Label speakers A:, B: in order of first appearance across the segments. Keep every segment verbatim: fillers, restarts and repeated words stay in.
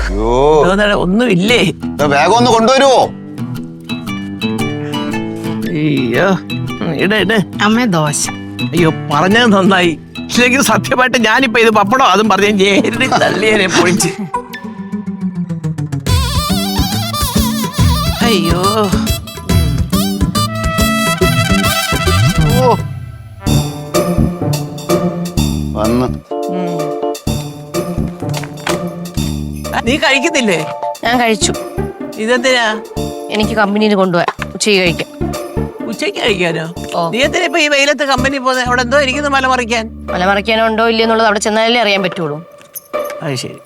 A: ഒന്നും ഇല്ലേ?
B: വേഗം ഒന്ന് കൊണ്ടുവരുവോ?
A: അയ്യോ ഇട ഇട
C: അമ്മ ദോശ.
A: അയ്യോ പറഞ്ഞത് നന്നായി. ഇല്ലെങ്കിൽ സത്യമായിട്ട് ഞാനിപ്പോ ഇത് പപ്പടോ അതും പറഞ്ഞ തള്ളിയനെ പൊളിച്ച്. അയ്യോ
B: ഓ വന്ന്
A: നീ കഴിക്കുന്നില്ലേ?
D: ഞാൻ കഴിച്ചു.
A: ഇതെന്തിനാ?
D: എനിക്ക് കമ്പനിയിൽ കൊണ്ടുപോയാ ഉച്ചയ്ക്ക് കഴിക്കാം.
A: ഉച്ചയ്ക്ക് കഴിക്കാനോ? നീ എന്തിനാ ഇപ്പൊ ഈ വെയിലത്ത് കമ്പനി പോകുന്നത്? അവിടെ എന്തോ ഇരിക്കുന്നു മലമറിക്കാൻ.
D: മലമറിക്കാനോ ഉണ്ടോ ഇല്ലയോ എന്നുള്ളത് അവിടെ ചെന്നാലേ അറിയാൻ പറ്റുള്ളൂ.
A: അത് ശരി.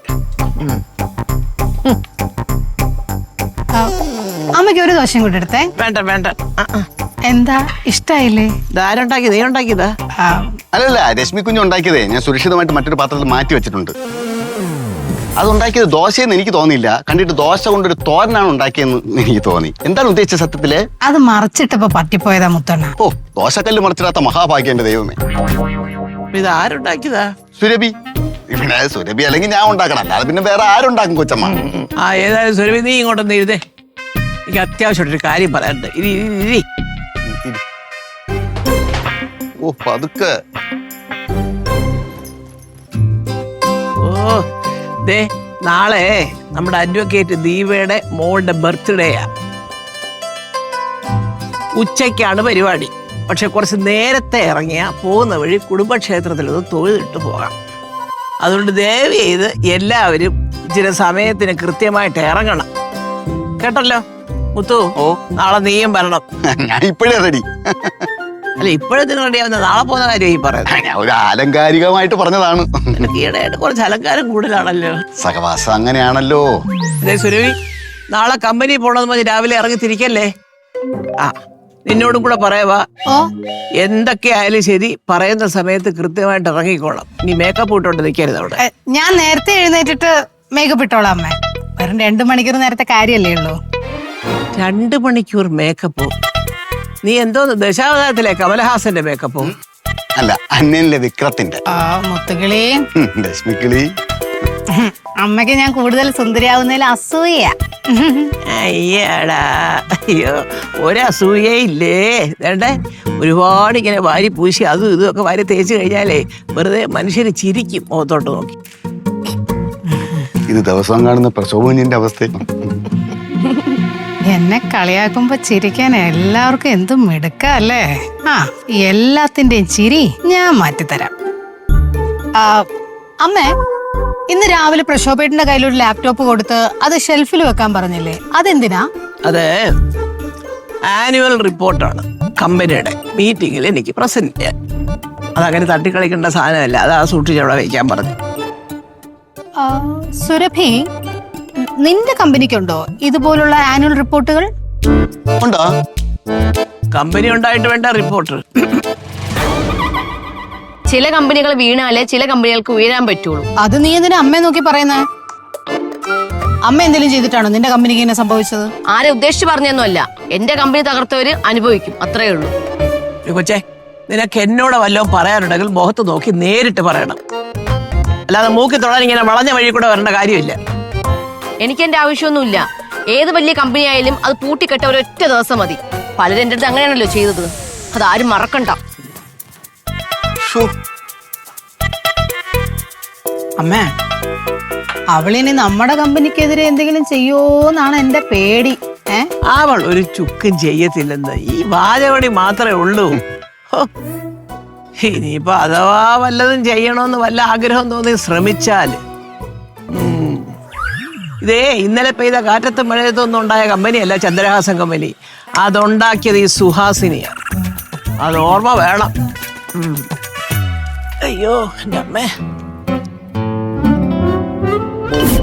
C: അമ്മയ്ക്ക് ഒരു ദോശയും കൂടെ എടുത്തേ.
A: വേണ്ട വേണ്ട.
C: എന്താ ഇഷ്ടായില്ലേ?
A: ഇതാരുണ്ടാക്കി? നീ ഉണ്ടാക്കിയതാ?
B: അല്ലല്ല, രശ്മി കുഞ്ഞ് ഉണ്ടാക്കിയതേ ഞാൻ സുരക്ഷിതമായിട്ട് മറ്റൊരു പാത്രത്തിൽ മാറ്റി വെച്ചിട്ടുണ്ട്. അതുണ്ടാക്കിയത് ദോശയെന്ന് എനിക്ക് തോന്നിയില്ല. കണ്ടിട്ട് ദോശ കൊണ്ടൊരു തോരനാണ് ഉണ്ടാക്കിയെന്ന് എനിക്ക് തോന്നി. എന്താണ് ഉദ്ദേശിച്ച സത്യത്തില്?
C: അത് മറിച്ചിട്ടപ്പോ പറ്റിപ്പോയതാ മുത്തണ്ണ.
B: ഓ, ദോശക്കല്ല് മറിച്ചിടാത്ത മഹാഭാഗ്യം എന്റെ ദൈവമേ.
A: ഇത് ആരുണ്ടാക്കിയതാ?
B: സുരഭി. ഇവിടെ സുരഭി അല്ലെങ്കിൽ ഞാൻ ഉണ്ടാക്കണം, അല്ലാതെ പിന്നെ വേറെ ആരുണ്ടാക്കും കൊച്ചമ്മ?
A: ആ ഏതായാലും സുരഭി നീ ഇങ്ങോട്ടൊന്ന് ഇരുതേ. എനിക്ക് അത്യാവശ്യമായിട്ടൊരു കാര്യം പറയാനുണ്ട്. ഇരി ഇരി.
B: ഓ പതുക്കെ.
A: ഓ ദേ നാളെ നമ്മുടെ അഡ്വക്കേറ്റ് ദീപയുടെ മോളുടെ ബർത്ത്ഡേയാ. ഉച്ചയ്ക്കാണ് പരിപാടി. പക്ഷെ കുറച്ച് നേരത്തെ ഇറങ്ങിയ പോകുന്ന വഴി കുടുംബക്ഷേത്രത്തിൽ ഒന്ന് തൊഴുതിട്ട് പോകാം. അതുകൊണ്ട് ദയവ് ചെയ്ത് എല്ലാവരും ഇച്ചിരി സമയത്തിന് കൃത്യമായിട്ട് ഇറങ്ങണം കേട്ടല്ലോ. മുത്തു,
B: ഓ
A: നാളെ നീയും വരണം.
B: ഞാൻ ഇപ്പോഴേ റെഡി.
A: അല്ല ഇപ്പോഴത്തിന് റെഡിയാവുന്ന നാളെ പോകുന്ന കാര്യം ഈ പറയുന്നത്.
B: ഞാൻ ഒരു ആലങ്കാരികമായിട്ട് പറഞ്ഞതാണ്.
A: ഈയിടെയായിട്ട് കുറച്ച് അലങ്കാരം കൂടുതലാണല്ലോ.
B: സഹവാസം അങ്ങനെയാണല്ലോ.
A: അതെ സുരഭി, നാളെ കമ്പനി പോണെന്ന് പറഞ്ഞ് രാവിലെ ഇറങ്ങി തിരിക്കല്ലേ. ആ നിന്നോടും കൂടെ പറയാവാ.
C: ഓ
A: എന്തൊക്കെയായാലും ശരി പറയുന്ന സമയത്ത് കൃത്യമായിട്ട് ഇറങ്ങിക്കോളാം. നീ മേക്കപ്പ് ഇട്ടോണ്ട് നിൽക്കരുത് അവിടെ.
C: ഞാൻ നേരത്തെ എഴുന്നേറ്റിട്ട് മേക്കപ്പ് ഇട്ടോളാം അമ്മ. വെറും രണ്ടു മണിക്കൂർ നേരത്തെ കാര്യല്ലേ ഉള്ളൂ.
A: രണ്ടു മണിക്കൂർ മേക്കപ്പോ? നീ എന്തോ ദശാവതാരത്തിലെ കമലഹാസന്റെ മേക്കപ്പോ?
B: അല്ല, അന്യനിലെ വിക്രത്തിന്റെ.
C: ആ മുത്തുകിളി,
B: രശ്മിക്കിളി,
C: അമ്മക്ക് ഞാൻ കൂടുതൽ സുന്ദരിയാവുന്നതിൽ അസൂയ.
A: അയ്യടാ, അയ്യോ ഒരസൂയേ ഇല്ലേ. വേണ്ടേ ഒരുപാട് ഇങ്ങനെ വാരി പൂശി അതും ഇതും ഒക്കെ വാരി തേച്ച് കഴിഞ്ഞാലേ വെറുതെ മനുഷ്യര് ചിരിക്കും മുഖത്തോട്ട് നോക്കി.
B: ഇത് ദിവസം കാണുന്ന പ്രശോഭനിന്റെ അവസ്ഥ.
C: എന്നെ കളിയാക്കുമ്പോ ചിരിക്കാൻ എല്ലാവർക്കും എന്തും മിടുക്കല്ലേ. ആ എല്ലാത്തിന്റെയും ചിരി ഞാൻ മാറ്റിത്തരാം. ആ അമ്മേ, ഇന്ന് രാവിലെ പ്രശോഭേട്ടന്റെ കയ്യിലൊരു ലാപ്ടോപ്പ് കൊടുത്ത് അത് ഷെൽഫിൽ വെക്കാൻ പറഞ്ഞില്ലേ, അതെന്തിനാ?
A: അത് ആനുവൽ റിപ്പോർട്ടാണ് കമ്പനിയുടെ. മീറ്റിംഗിൽ എനിക്ക് പ്രസന്റ് ചെയ്യാൻ. അതങ്ങനെ തട്ടിക്കളിക്കേണ്ട സാധനമല്ല. അത് ആ സൂക്ഷിച്ചവിടെ വയ്ക്കാൻ പറഞ്ഞു.
C: സുരഭി, നിന്റെ കമ്പനിക്കുണ്ടോ ഇതുപോലുള്ള ആനുവൽ റിപ്പോർട്ടുകൾ?
B: ഉണ്ടോ?
A: കമ്പനി ഉണ്ടായിട്ട് വേണ്ട റിപ്പോർട്ട്.
D: ചില കമ്പനികൾ വീണാലേ ചില കമ്പനികൾക്ക് ഉയരാൻ പറ്റുള്ളൂ.
C: അത് നീ എന്തിനാ അമ്മയെ നോക്കി പറയുന്നേ? അമ്മ എന്തെങ്കിലും ചെയ്തിട്ടാണോ നിന്റെ കമ്പനിക്ക് ഇങ്ങനെ സംഭവിച്ചത്?
D: ആരെ ഉദ്ദേശിച്ച് പറഞ്ഞൊന്നുമല്ല. എന്റെ കമ്പനി തകർത്തവര് അനുഭവിക്കും, അത്രേ ഉള്ളൂ.
A: കൊച്ചേ, നിനക്ക് എന്നോട് വല്ലതും പറയാനുണ്ടെങ്കിൽ മുഖത്ത് നോക്കി നേരിട്ട് പറയണം. അല്ലാതെ മൂക്കി തൊടാൻ ഇങ്ങനെ വളഞ്ഞ വഴി കൂടെ വരേണ്ട കാര്യമില്ല.
D: എനിക്ക് എന്റെ ആവശ്യമൊന്നുമില്ല. ഏത് വലിയ കമ്പനി ആയാലും അത് പൂട്ടിക്കെട്ട ഒരൊറ്റ ദിവസം മതി. പലരും എന്റെ അടുത്ത് അങ്ങനെയാണല്ലോ ചെയ്തത്. അതാരും മറക്കണ്ട.
C: അമ്മേ, അവളിനി നമ്മുടെ കമ്പനിക്കെതിരെ എന്തെങ്കിലും ചെയ്യോന്നാണ് എന്റെ പേടി. ഏ
A: അവൾ ഒരു ചുക്കും ചെയ്യത്തില്ലെന്ന് ഈ വാചകടി മാത്രമേ ഉള്ളൂ. ഇനിയിപ്പോ അഥവാ വല്ലതും ചെയ്യണമെന്ന് വല്ല ആഗ്രഹം തോന്നി ശ്രമിച്ചാല്. ഇതേ ഇന്നലെ പെയ്ത കാറ്റത്തും മഴയത്തൊന്നും ഉണ്ടായ കമ്പനിയല്ല ചന്ദ്രഹാസൻ കമ്പനി. അതുണ്ടാക്കിയത് ഈ സുഹാസിനിയാണ്. അത് ഓർമ്മ വേണം. അയ്യോ എൻ്റെ അമ്മേ.